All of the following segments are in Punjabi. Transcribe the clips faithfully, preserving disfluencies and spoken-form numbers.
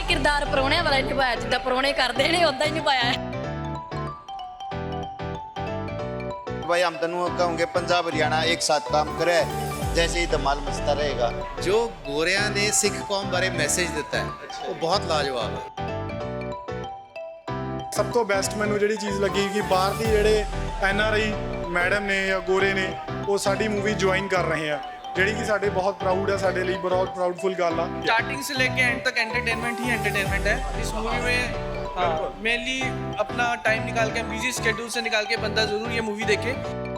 किरदार परौने वाला निभाया, जिद्दां परौने करदे ने उदां ही निभाया है। भाई हम तनु कहूँगे पंजाब हरियाणा एक साथ काम करे जैसे ही धमाल मचता रहेगा। जो गोरिया ने सिख कौम बारे मैसेज दिता है वो बहुत लाजवाब है। ਸਭ ਤੋਂ ਬੈਸਟ ਮੈਨੂੰ ਜਿਹੜੀ ਚੀਜ਼ ਲੱਗੀ ਕਿ ਬਾਹਰ ਦੀ ਜਿਹੜੇ ਐਨ ਆਰ ਆਈ ਮੈਡਮ ਨੇ ਜਾਂ ਗੋਰੇ ਨੇ ਉਹ ਸਾਡੀ ਮੂਵੀ ਜੁਆਇਨ ਕਰ ਰਹੇ ਆ, ਜਿਹੜੀ ਕਿ ਸਾਡੇ ਬਹੁਤ ਪ੍ਰਾਊਡ ਹੈ, ਸਾਡੇ ਲਈ ਬਹੁਤ ਪ੍ਰਾਊਡਫੁਲ ਗੱਲ ਆ। स्टार्टिंग से लेके एंड तक एंटरटेनमेंट ही एंटरटेनमेंट है इस मूवी में। हाँ, मेनली अपना टाइम निकाल के बिजी स्केड्यूल से निकाल के बंदा ज़रूर ये मूवी देखे।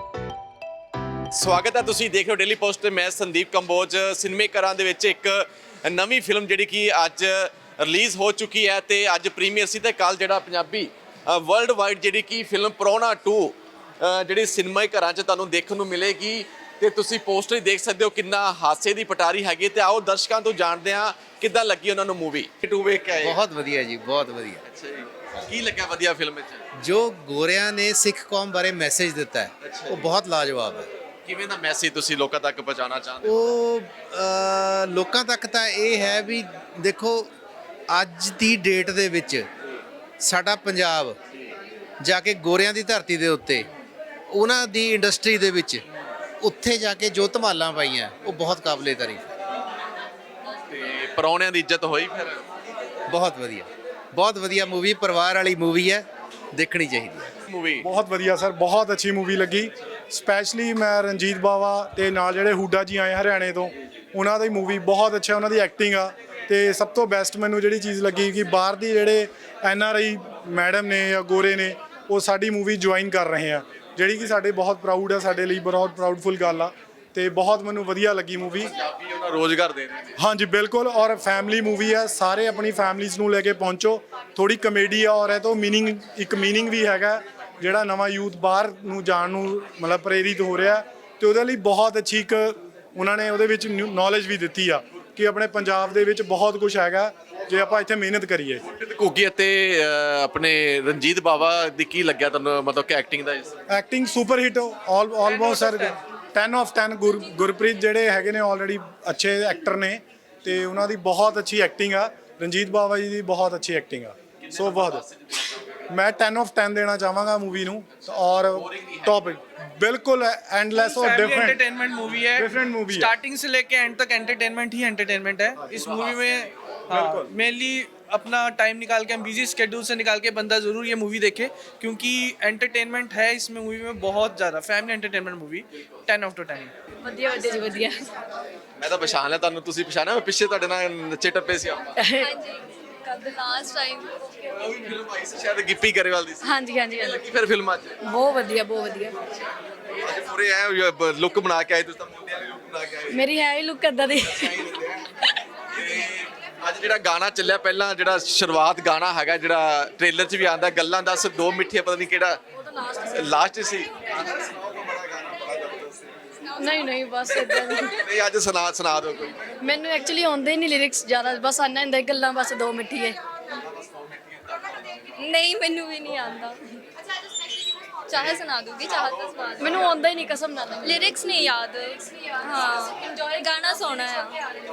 ਸਵਾਗਤ ਹੈ, ਤੁਸੀਂ ਦੇਖ ਰਹੇ ਹੋ ਡੇਲੀ ਪੋਸਟ ਤੇ ਮੈਂ ਸੰਦੀਪ ਕੰਬੋਜ। ਸਿਨੇਮੇ ਘਰਾਂ ਦੇ ਵਿੱਚ ਇੱਕ ਨਵੀਂ ਫਿਲਮ ਜਿਹੜੀ ਕਿ ਅੱਜ ਰਿਲੀਜ਼ ਹੋ ਚੁੱਕੀ ਹੈ ਤੇ ਅੱਜ ਪ੍ਰੀਮੀਅਰ ਸੀ ਤੇ ਕੱਲ ਜਿਹੜਾ ਪੰਜਾਬੀ ਵਰਲਡ ਵਾਈਡ ਜਿਹੜੀ ਕਿ ਫਿਲਮ ਪਰੌਣਾ ਟੂ ਜਿਹੜੀ ਸਿਨੇਮੇ ਘਰਾਂ 'ਚ ਤੁਹਾਨੂੰ ਦੇਖਣ ਨੂੰ ਮਿਲੇਗੀ ਤੇ ਤੁਸੀਂ ਪੋਸਟਰ ਹੀ ਦੇਖ ਸਕਦੇ ਹੋ ਕਿੰਨਾ ਹਾਸੇ ਦੀ ਪਟਾਰੀ ਹੈਗੀ। ਤੇ ਆਓ ਦਰਸ਼ਕਾਂ ਤੋਂ ਜਾਣਦੇ ਹਾਂ ਕਿੱਦਾਂ ਲੱਗੀ ਉਹਨਾਂ ਨੂੰ ਮੂਵੀ। ਟੂ ਵੇਖ ਕੇ ਆਏ? बहुत वधिया जी, बहुत वधिया। ਅੱਛਾ ਜੀ, ਕੀ ਲੱਗਿਆ ਵਧੀਆ ਫਿਲਮ ਵਿੱਚ? जो गोरिया ने सिख कौम बारे मैसेज दिता है वो बहुत लाजवाब है। ਕਿਵੇਂ ਦਾ ਮੈਸੇਜ ਤੁਸੀਂ ਲੋਕਾਂ ਤੱਕ ਪਹੁੰਚਾਉਣਾ ਚਾਹੁੰਦੇ ਹੋ? ਉਹ ਅ, ਲੋਕਾਂ ਤੱਕ ਤਾਂ ਇਹ ਹੈ ਵੀ ਦੇਖੋ ਅੱਜ ਦੀ ਡੇਟ ਦੇ ਵਿੱਚ ਸਾਡਾ ਪੰਜਾਬ ਜਾ ਕੇ ਗੋਰਿਆਂ ਦੀ ਧਰਤੀ ਦੇ ਉੱਤੇ ਉਹਨਾਂ ਦੀ ਇੰਡਸਟਰੀ ਦੇ ਵਿੱਚ ਉੱਥੇ ਜਾ ਕੇ ਜੋ ਧਮਾਲਾਂ ਪਾਈਆਂ ਉਹ ਬਹੁਤ ਕਾਬਲੇ ਤਾਰੀਫ ਹੈ। ਤੇ ਪਰੌਣਿਆਂ ਦੀ ਇੱਜ਼ਤ ਹੋਈ ਫਿਰ? ਬਹੁਤ ਵਧੀਆ, ਬਹੁਤ ਵਧੀਆ ਮੂਵੀ, ਪਰਿਵਾਰ ਵਾਲੀ ਮੂਵੀ ਹੈ, ਦੇਖਣੀ ਚਾਹੀਦੀ ਹੈ ਮੂਵੀ। ਬਹੁਤ ਵਧੀਆ ਸਰ, ਬਹੁਤ ਅੱਛੀ ਮੂਵੀ ਲੱਗੀ। ਸਪੈਸ਼ਲੀ ਮੈਂ ਰਣਜੀਤ ਬਾਵਾ ਤੇ ਨਾਲ ਜਿਹੜੇ ਹੁੱਡਾ ਜੀ ਆਏ ਹਰਿਆਣੇ ਤੋਂ, ਉਹਨਾਂ ਦੀ ਮੂਵੀ ਬਹੁਤ ਅੱਛਾ, ਉਹਨਾਂ ਦੀ ਐਕਟਿੰਗ ਆ। ਤੇ ਸਭ ਤੋਂ ਬੈਸਟ ਮੈਨੂੰ ਜਿਹੜੀ ਚੀਜ਼ ਲੱਗੀ ਕਿ ਬਾਹਰ ਦੀ ਜਿਹੜੇ ਐਨ ਆਰ ਆਈ ਮੈਡਮ ਨੇ ਜਾਂ ਗੋਰੇ ਨੇ ਉਹ ਸਾਡੀ ਮੂਵੀ ਜੁਆਇਨ ਕਰ ਰਹੇ ਆ, ਜਿਹੜੀ ਕਿ ਸਾਡੇ ਬਹੁਤ ਪ੍ਰਾਊਡ ਹੈ, ਸਾਡੇ ਲਈ ਬਹੁਤ ਪ੍ਰਾਊਡਫੁਲ ਗੱਲ ਆ। ਤੇ ਬਹੁਤ ਮੈਨੂੰ ਵਧੀਆ ਲੱਗੀ ਮੂਵੀ। ਪੰਜਾਬੀ ਉਹਨਾਂ ਰੋਜ਼ਗਾਰ ਦੇ ਰਹੇ ਨੇ। ਹਾਂਜੀ ਬਿਲਕੁਲ, ਔਰ ਫੈਮਿਲੀ ਮੂਵੀ ਹੈ, ਸਾਰੇ ਆਪਣੀ ਫੈਮਲੀਜ਼ ਨੂੰ ਲੈ ਕੇ ਪਹੁੰਚੋ। ਥੋੜੀ ਕਮੇਡੀ ਆ ਔਰ ਇਹ ਤੋਂ ਮੀਨਿੰਗ, ਇੱਕ ਮੀਨਿੰਗ ਵੀ ਹੈਗਾ ਜਿਹੜਾ ਨਵਾਂ ਯੂਥ ਬਾਹਰ ਨੂੰ ਜਾਣ ਨੂੰ ਮਤਲਬ ਪ੍ਰੇਰਿਤ ਹੋ ਰਿਹਾ ਤੇ ਉਹਦੇ ਲਈ ਬਹੁਤ ਅੱਛੀ ਇੱਕ ਉਹਨਾਂ ਨੇ ਉਹਦੇ ਵਿੱਚ ਨੌਲੇਜ ਵੀ ਦਿੱਤੀ ਆ ਕਿ ਆਪਣੇ ਪੰਜਾਬ ਦੇ ਵਿੱਚ ਬਹੁਤ ਕੁਝ ਹੈਗਾ ਜੇ ਆਪਾਂ ਇੱਥੇ ਮਿਹਨਤ ਕਰੀਏ। ਘੁੱਗੀ ਅਤੇ ਅਹ, ਆਪਣੇ ਰਣਜੀਤ ਬਾਵਾ ਦੀ ਕੀ ਲੱਗਿਆ ਤੁਹਾਨੂੰ, ਮਤਲਬ ਕਿ ਐਕਟਿੰਗ ਦਾ? Acting super hit all almost sir ten of ten. ਗੁਰ ਗੁਰਪ੍ਰੀਤ ਜਿਹੜੇ ਹੈਗੇ ਨੇ ਆਲਰੇਡੀ ਅੱਛੇ ਐਕਟਰ ਨੇ ਤੇ ਉਹਨਾਂ ਦੀ ਬਹੁਤ ਅੱਛੀ ਐਕਟਿੰਗ ਆ। ਰਣਜੀਤ ਬਾਵਾ ਜੀ ਦੀ ਬਹੁਤ ਅੱਛੀ ਐਕਟਿੰਗ ਆ। ਸੋ ਬਹੁਤ ਮੈਂ ਟੈਨ ਆਫ ਟੈਨ ਦੇਣਾ ਚਾਹਾਂਗਾ मूवी ਨੂੰ। और टॉपिक बिल्कुल एंडलेस और डिफरेंट एंटरटेनमेंट मूवी है, डिफरेंट मूवी है। स्टार्टिंग से लेके एंड तक एंटरटेनमेंट ही एंटरटेनमेंट है इस मूवी में। मेनली अपना टाइम निकाल के, हम बिजी स्केड्यूल से निकाल के बंदा ज़रूर ये मूवी देखे क्योंकि एंटरटेनमेंट है इसमें मूवी में बहुत ज़्यादा। Family entertainment movie ten out of ten. ਵਧੀਆ ਵਧੀਆ ਜੀ, ਵਧੀਆ। ਮੈਂ ਤਾਂ ਪਛਾਣ ਲਿਆ ਤੁਹਾਨੂੰ, ਤੁਸੀਂ ਪਛਾਣਿਆ? ਮੈਂ ਪਿੱਛੇ ਤੁਹਾਡੇ ਨਾਲ ਨੱਚੇ ਟੱਪੇ ਸੀ ਆਪਾਂ। ਹਾਂਜੀ ਲਾਸਟ ਟਾਈਮ ਉਹ ਵੀ ਫਿਲਮ ਆਈ ਸੀ ਸ਼ਾਇਦ ਗਿੱਪੀ ਗਰੇਵਾਲ ਦੀ ਸੀ। ਹਾਂਜੀ ਹਾਂਜੀ ਹਾਂਜੀ। ਲੱਗੀ ਫਿਰ ਫਿਲਮ ਅੱਜ? ਬਹੁਤ ਵਧੀਆ, ਬਹੁਤ ਵਧੀਆ। ਅੱਜ ਪੂਰੇ ਐ ਲੁੱਕ ਬਣਾ ਕੇ ਆਏ ਤੁਸੀਂ ਤਾਂ, ਮੁੰਡਿਆਂ ਦੀ ਲੁੱਕ ਬਣਾ ਕੇ ਆਏ। ਮੇਰੀ ਹੈ ਹੀ ਲੁੱਕ ਏਦਾਂ ਦੀ। ਤੇ ਅੱਜ ਜਿਹੜਾ ਗਾਣਾ ਚੱਲਿਆ, ਪਹਿਲਾਂ ਜਿਹੜਾ ਸ਼ੁਰੂਆਤ ਗਾਣਾ ਹੈਗਾ ਜਿਹੜਾ ਟ੍ਰੇਲਰ 'ਚ ਵੀ ਆਉਂਦਾ, ਗੱਲਾਂ ਦੱਸ ਦੋ ਮਿੱਠੀਆਂ, ਪਤਾ ਨਹੀਂ ਕਿਹੜਾ ਲਾਸਟ ਸੀ। ਨਹੀਂ ਨਹੀਂ ਬਸ ਏਦਾਂ ਦੀ। ਨਹੀਂ ਅੱਜ ਸੁਣਾ ਸੁਣਾ ਦਿਓ ਕੋਈ। ਮੈਨੂੰ ਐਕਚੁਅਲੀ ਆਉਂਦੇ ਹੀ ਨਹੀਂ ਲਿਰਿਕਸ ਜ਼ਿਆਦਾ, ਬਸ ਆਨਾ ਹੁੰਦਾ ਗੱਲਾਂ ਬਸ ਦੋ ਮਿੱਠੀਏ। नहीं मैनू भी नहीं आता। चाहे सुना दूंगी, चाहे तो सुना दूंगी। ਮੈਨੂੰ ਆਉਂਦਾ ਹੀ ਨਹੀਂ ਕਸਮ ਨਾਲ। लिरिक्स नहीं याद। हाँ, इंजॉय गाना सोना है।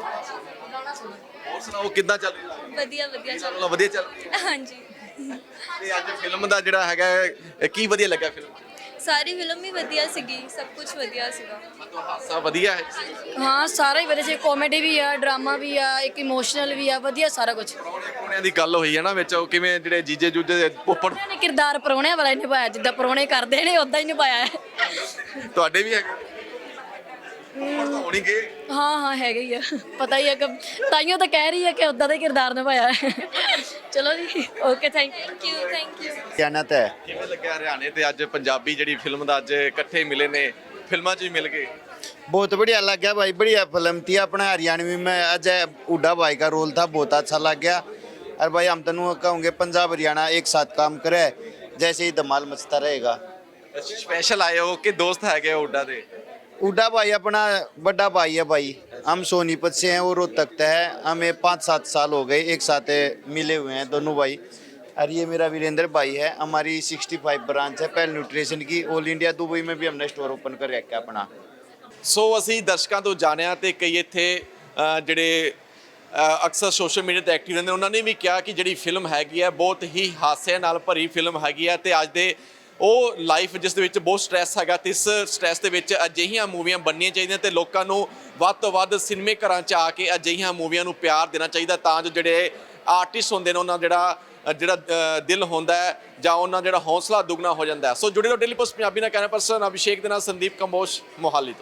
ਹੋਰ ਸੁਣਾਓ ਕਿੱਦਾਂ ਚੱਲ ਰਿਹਾ? वधिया वधिया चल। ਚਲੋ ਵਧੀਆ ਚੱਲ ਰਿਹਾ। हाँ जी, ਤੇ ਅੱਜ ਫਿਲਮ ਦਾ ਜਿਹੜਾ ਹੈਗਾ ਇਹ ਕੀ ਵਧੀਆ ਲੱਗਾ ਫਿਲਮ? सारी फिल्म ही वधिया सीगी, सब कुछ वधिया सीगा। ਮਤਲਬ ਹਾਸਾ ਵਧੀਆ ਹੈ? ਹਾਂ ਸਾਰਾ ਹੀ ਵਧੀਆ ਸੀ, ਕਾਮੇਡੀ ਵੀ ਆ, ਡਰਾਮਾ ਵੀ ਆ, ਇੱਕ ਇਮੋਸ਼ਨਲ ਵੀ ਆ, ਵਧੀਆ ਸਾਰਾ ਕੁਝ। ਪਰੌਣਿਆਂ ਦੀ ਗੱਲ ਹੋਈ ਹੈ ਨਾ ਵਿੱਚ, ਉਹ ਕਿਵੇਂ ਜਿਹੜੇ ਜੀਜੇ ਜੂਜੇ ਉੱਪਰ ਉਹਨਾਂ ਨੇ ਕਿਰਦਾਰ ਪਰੌਣਿਆਂ ਵਾਲਾ ਹੀ ਨਿਭਾਇਆ, ਜਿੱਦਾਂ ਪਰੌਣੇ ਕਰਦੇ ਨੇ ਉਦਾਂ ਹੀ ਨਿਭਾਇਆ ਹੈ। ਤੁਹਾਡੇ ਵੀ ਹੈਗੇ? ਹੋਣੀ ਕਿ ਹਾਂ ਹਾਂ ਹੈਗੇ ਹੀ ਆ, ਪਤਾ ਹੀ ਹੈ ਕਿ ਤਾਈਓ ਤਾਂ ਕਹਿ ਰਹੀ ਹੈ ਕਿ ਉਦਾਂ ਦਾ ਹੀ ਕਿਰਦਾਰ ਨਿਭਾਇਆ ਹੈ। ਚਲੋ ਜੀ, okay, thank you. Thank you thank you. जानत है ਕਿਵੇਂ ਲੱਗਿਆ ਹਰਿਆਣੇ ਤੇ ਅੱਜ ਪੰਜਾਬੀ ਜਿਹੜੀ ਫਿਲਮ ਦਾ ਅੱਜ ਇਕੱਠੇ ਮਿਲੇ ਨੇ, ਫਿਲਮਾਂ 'ਚ ਵੀ ਮਿਲ ਗਏ? बहुत बढ़िया लग गया भाई, बढ़िया फिल्म थी। अपना हरियाणवी में अजय हुड्डा भाई का रोल था, बहुत अच्छा लग गया। और भाई हम तनु कहूँगे पंजाब हरियाणा एक साथ काम करे जैसे ही धमाल मचता रहेगा। ਸਪੈਸ਼ਲ ਆਏ ਹੋ ਕਿ ਦੋਸਤ ਹੈਗੇ ਹੁੱਡਾ ਦੇ? हुड्डा भाई अपना बड़ा भाई है भाई। हम सोनीपत से हैं, वो रोहतक से है। हमें पाँच सात साल हो गए एक साथ मिले हुए हैं दोनों भाई। और ये मेरा वीरेंद्र भाई है। हमारी सिक्सटी फाइव ब्रांच है पहल न्यूट्रिशन की। ऑल इंडिया दुबई में भी हमने स्टोर ओपन कर रखा है अपना। ਸੋ ਅਸੀਂ ਦਰਸ਼ਕਾਂ ਤੋਂ ਜਾਣਿਆ ਤੇ ਕਈ ਇੱਥੇ ਅ, ਜਿਹੜੇ ਅ, ਅਕਸਰ ਸੋਸ਼ਲ ਮੀਡੀਆ ਤੇ ਐਕਟਿਵ ਰਹਿੰਦੇ, ਉਹਨਾਂ ਨੇ ਵੀ ਕਿਹਾ ਕਿ ਜਿਹੜੀ ਫਿਲਮ ਹੈਗੀ ਹੈ ਬਹੁਤ ਹੀ ਹਾਸੇ ਨਾਲ ਭਰੀ ਫਿਲਮ ਹੈਗੀ ਹੈ ਤੇ ਅੱਜ ਦੇ ਉਹ ਲਾਈਫ ਜਿਸ ਦੇ ਵਿੱਚ ਬਹੁਤ ਸਟ੍ਰੈਸ ਹੈਗਾ ਤੇ ਇਸ ਸਟ੍ਰੈਸ ਦੇ ਵਿੱਚ ਅਜਿਹੀਆਂ ਮੂਵੀਆਂ ਬਣਨੀਆਂ ਚਾਹੀਦੀਆਂ ਤੇ ਲੋਕਾਂ ਨੂੰ ਵੱਧ ਤੋਂ ਵੱਧ ਸਿਨੇਮੇ ਘਰਾਂ 'ਚ ਆ ਕੇ ਅਜਿਹੀਆਂ ਮੂਵੀਆਂ ਨੂੰ ਪਿਆਰ ਦੇਣਾ ਚਾਹੀਦਾ ਤਾਂ ਜੋ ਜਿਹੜੇ ਆਰਟਿਸਟ ਹੁੰਦੇ ਨੇ ਉਹਨਾਂ ਜਿਹੜਾ ਜਿਹੜਾ ਅ, ਦਿਲ ਹੁੰਦਾ ਹੈ ਜਾਂ ਉਹਨਾਂ ਜਿਹੜਾ ਹੌਸਲਾ ਦੁੱਗਣਾ ਹੋ ਜਾਂਦਾ ਹੈ। ਸੋ ਜੁੜੇ ਰਹੋ ਡੇਲੀ ਪੋਸਟ ਪੰਜਾਬੀ ਨਾਲ। ਕੈਮਰਾ ਪਰਸਨ ਅਭਿਸ਼ੇਕ ਦੇ ਨਾਲ ਸੰਦੀਪ ਕੰਬੋਜ, ਮੋਹਾਲੀ ਤੋਂ।